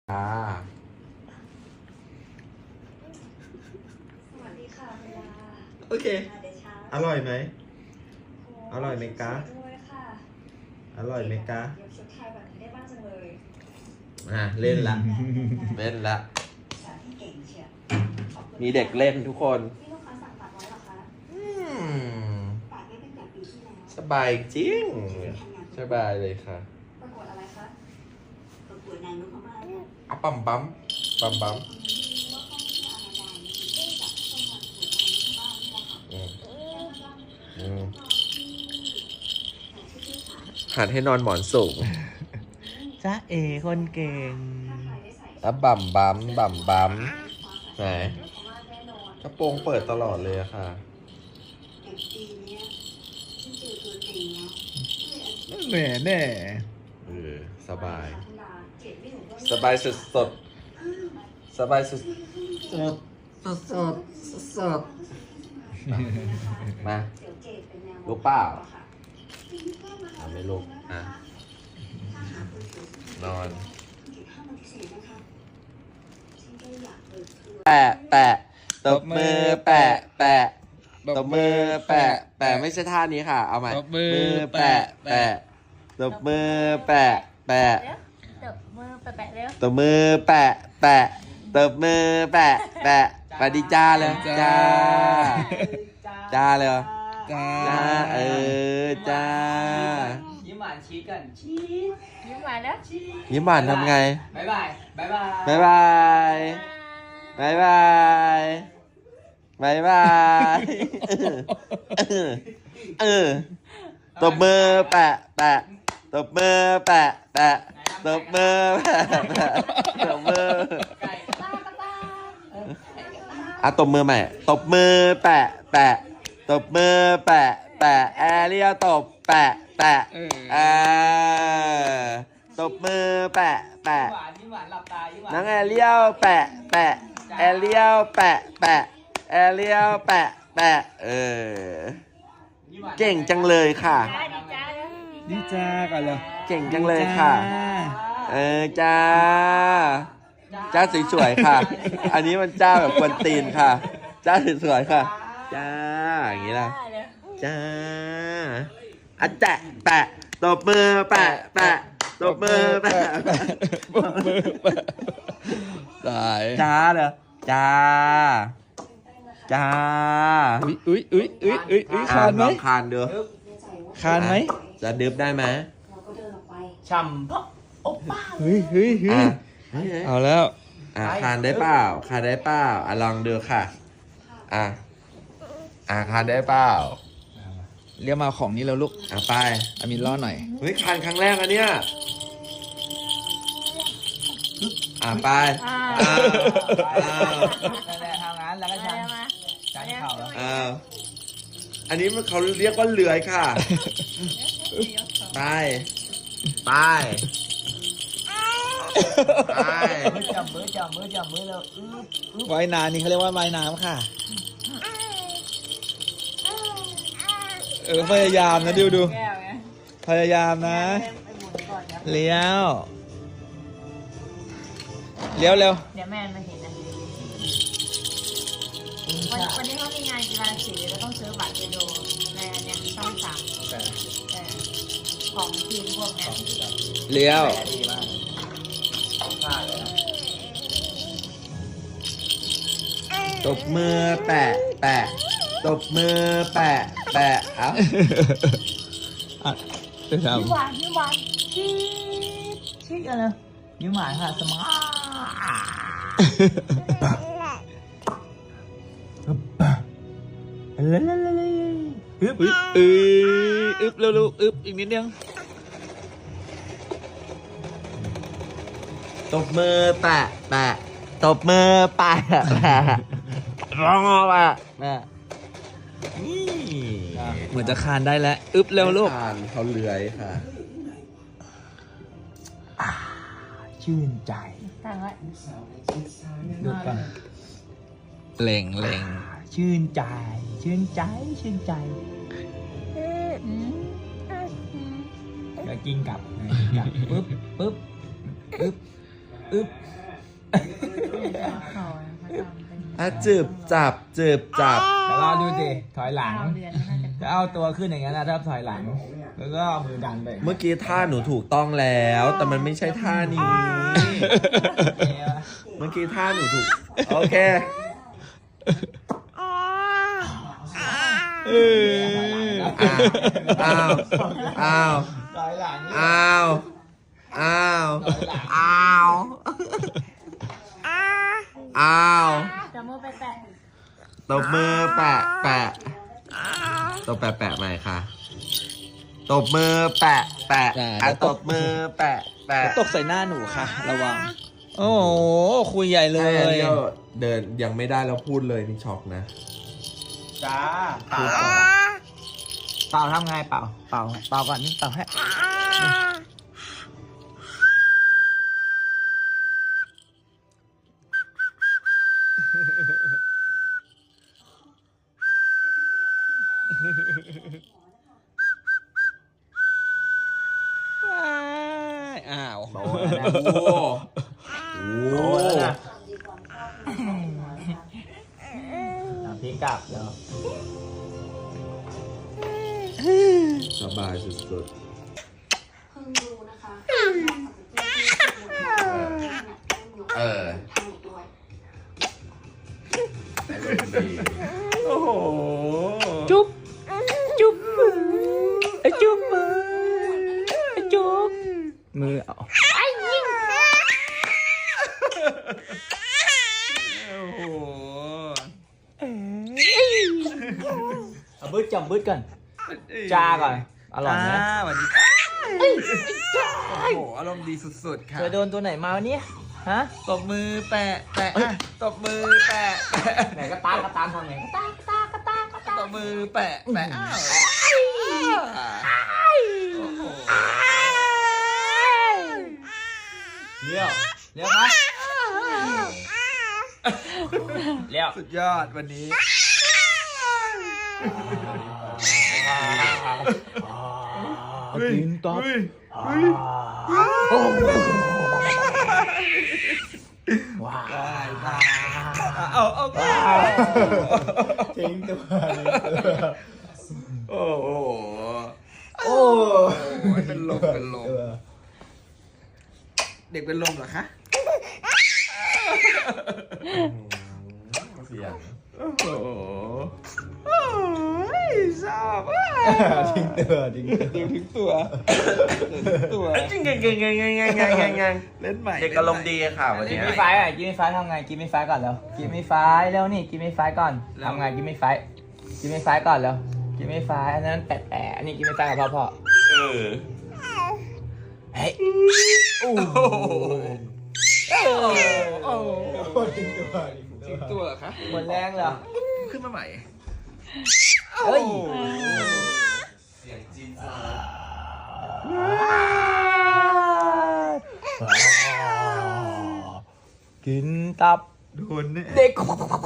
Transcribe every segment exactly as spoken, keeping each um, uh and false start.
อ่าสวัสดีค่ะเวลาโอเคอร่อยไหมอร่อยไหมกะอร่อยไหมกะเดี๋ยวชุดไทยแบบนี้ได้บ้างจังเลยอ่ะเล่นละเล่นละมีเด็กเล่นทุกคนนี่ลูกค้าสั่งตัดไว้เหรอคะอืมตัดไว้ตั้งแต่ปีที่แล้วสบายจริงสบายเลยค่ะประกวดอะไรคะประกวดนางนพมาศค่ะอ่ะปั๊มปั๊มปั๊มปั๊มว่าข้อที่อาจารย์มีที่จับต้องมาประกวดนางนพมาศนี่แหละค่ะอืมอืมที่ชื่อค่ะหัดให้นอนหมอนสูงจ้าเอคนเก่งแล้วบั่มบั๊มบั่มบั๊มไหนกระโปรงเปิดตลอดเลยอะค่ะแต่ปีนี้ฉันเจอตัวจริงแล้วแหน่แน่เออสบายสบายสุดสดสบายสุดสดสดสดสดมาลูกเปล่าอ่ะไม่ลูกอ่ะนอนแปะแปะตบมือแปะแปะตบมือแปะแปะไม่ใช่ท่านี้ค่ะเอาใหม่มือแปะแปะตบมือแปะแปะตบมือแปะๆเร็วตบมือแปะแปะตบมือแปะแปะปฏิจ้าเลยจ้าจ้าเลยจ้าจ้าเออจ้ายิ้มหวานชีสกันชีสยิ้มหวานแล้วยิ้มหวานทำไงบ๊ายบายบ๊ายบายบ๊ายบายบ๊ายบายบ๊ายบายเออเออตบมือแปะแปะตบมือแปะแปะตบมือแปะแปะตบมืออ่ะตบมือใหม่ตบมือแปะแปะตบมือแปะแปะแอเรียตบแปะแปะอ่าตบมือแปะแปะหวานยิ้มหวานหลับตายิ้มหวานน้องแอเรียลแปะแปะแอเรียลแปะแปะแอเรียลแปะแปะเออเก่งจังเลยค่ะดีจ้ากันเลยเก่งจังเลยค่ะเออจ้าจ้าสวยๆค่ะ อันนี้มันจ้าแบบกวนตีนค่ะจ้าสวยๆค่ะจ้าอย่างนี้ล่ะจ้าอ่ะแตะแปะตบมือแปะแปะตบมือแปะแปะตบมือแปะตายจ้าเหรอจ้าจ้าอุ้ยอุ้ยอุ้ยอุ้ยอุ้ยอุ้ยคานไหมลองคานดูคานไหมจะดึบได้ไหมเราก็เดินออกไปฉ่ำเพราะโอ๊ป้าเฮ้ยเฮ้ยเฮ้ยอ่ะเฮ้ยเอาแล้วอ่ะคานได้เปล่าคานได้เปล่าอ่ะลองดูค่ะอ่ะอ่ะคานได้เปล่าเรียกมาของนี้แล้วลูกอ่ะไปอามินล้อหน่อยเฮ้ยคานครั้งแรกอันเนี้ยอ่ะไปอ้าวอ้าวนั่นแหละทำงานแล้วก็ชันชันเข่าแล้วอ้าวอันนี้มันเขาเรียกว่าเลื้อยค่ะไปไปไปมือจับมือจับมือจับมือแล้วว่ายน้ำนี่เขาเรียกว่าว่ายน้ำค่ะเออพยายามนะดิวดูพยายามนะเลี้ยวเลี้ยวเร็วเดี๋ยวแม่มาเห็นนะวันวันนี้เขามีงานกีฬาสีแล้วต้องซื้อบัตรไปดูในอันเนี้ยช่องสามแต่ของทีมพวกเนี้ยเลี้ยวตบมือแปะแปะตบมือแปะแปะเอ้าอ่ะเดี๋ยวทยิ้มหวานยิ้มหวานชีสชีสอะไรำยิ้มหวานค่ะสมาร์ทอึ๊บอึ๊บอึ๊บเร็วๆอึ๊บอีกนิดนึงตบมือแปะแปะตบมือแปะแปะร้องแปะแปะนี่เหมือนจะคานได้แล้วอึ๊บเร็วลูกไม่ทานเขาเลื้อยค่ะชื่นใจตั้งไว้ดูก่อนเล่งเล่งชื่นใจ ชื่นใจชื่นใจแล้วกินกลับกินกลับปึ๊บปึ๊บปึ๊บอึ๊บเขาเขาทำเป็นอ่ะจืบจับจืบจับเดี๋ยวรอดูสิถอยหลังเก้าเดือนน่าจะจะเอาตัวขึ้นอย่างนั้นนะถ้าถอยหลัง แล้วก็เอามือดันไปเมื่อกี้ท่าหนูถูกต้องแล้ว แต่มันไม่ใช่ท่านี้ เมื่อกี้ท่าหนูถูก โอเคเอออ้าว อ้าวถอยหลังอ้าว อ้าว อ้าว อ้าวจะมือไปแตะตบมือแปะแปะตบแปะแปะใหม่ค่ะ ตบมือแปะแปะอ่ะตบมือแปะแปะตกใส่หน้าหนูค่ะ ระวัง โอ้โห คุยใหญ่เลใช่ยอันนี้เดินยังไม่ได้แล้วพูดเลยนี่ช็อกนะจ้าเป่าเป่าทำไงเป่า เป่า เป่าก่อนนี่เป่าให้อ้าวโอ้โหโอ้โหพลิกกลับเดี๋ยวสบายสุดเพิ่งรู้นะคะๆ เออทำอีกด้วยแต่เรื่องดีโอ้โห จุ๊บ จุ๊บมือไอ้จุ๊บมือไอ้จุ๊บมือเอาโอ้โหเอาบึ้ดจำบึ้ดก่อนจ้าก่อน อร่อยไหมสวัสดีโอ้โห อารมณ์ดีสุดๆ ค่ะเคยโดนตัวไหนมาวันนี้ฮะ ตบมือแปะแปะอ่ะตบมือแปะแปะไหนก็ตามก็ตามทำไงก็ตามก็ตามก็ตามก็ตามตบมือแปะแปะอ้าวโอ้โหเลี้ยวเลี้ยวไหมเลี้ยวสุดยอดวันนี้กินต๊อบว้าวเอาเอาทิ้งตัวโอ้โหโอ้เป็นลมเป็นลมเด็กเป็นลมเหรอคะเสียงโอ้โหชอบทิ้งตัวทิ้งตัวทิ้งตัวตัวจริงไงไงไงไงไงไงไงไงเล่นใหม่เด็กอารมณ์ดีค่ะวันกินี้นไม่ไฟอ่ะกินไม่ไฟทำไงกินไม่ไฟก่อนแล้วกินไม่ไฟแล้วนี่กินไม่ไฟก่อนทำไงกินไม่ไฟกินไม่ไฟก่อนแล้วกินไม่ไฟอันนั้นแปะแปะอันนี้กินไม่ไฟกับพ่อพ่อเออเฮ้ยโอ้โหโอ้โหทิ้งตัวทิ้งตัวเหรอคะหมดแรงเหรอขึ้นมาใหม่เฮ้ยเสียงจีนกินตับโดนแน่เด็ก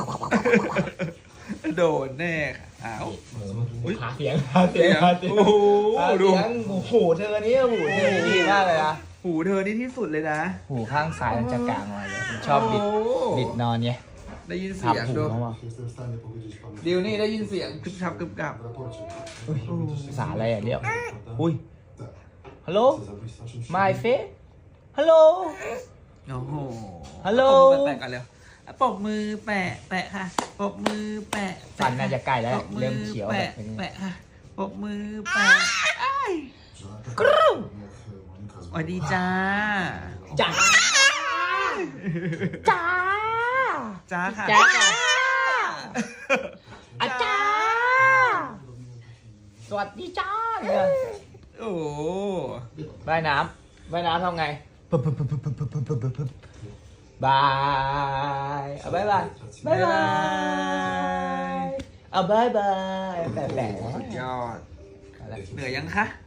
โดนแน่ค่ะอ้าวหาเสียงหาเสียงหาเสียงโอ้โหดูหูเธอนี่หูเธอดีมากเลยนะหูเธอนี่ที่สุดเลยนะหูข้างซ้ายมันจะกลางมาเลยชอบบิดบิดนอนเนี่ยได้ยินเสียงดูดิวนี่ได้ยินเสียงกึบชับกึบกับภาษาอะไรอ่ะเดี๋ยวอุ้ยฮัลโหล my face ฮัลโหลโอ้โหฮัลโหลแปะกันเร็วปกมือแปะแปะค่ะปกมือแปะฟันน่าจะใกล้แล้วเริ่มเขียวแปะแปะค่ะปกมือแปะกรูสวัสดีจ้าจ้าจ้าจ้าค่ะจ้าอาจารย์สวัสดีจ้าเนี่ยโอ้ว่ายน้ำว่ายน้ำทำไงบายเอาบายบายบายบายเอาบายบายแปะแปะสุดยอดเหนื่อยยังคะ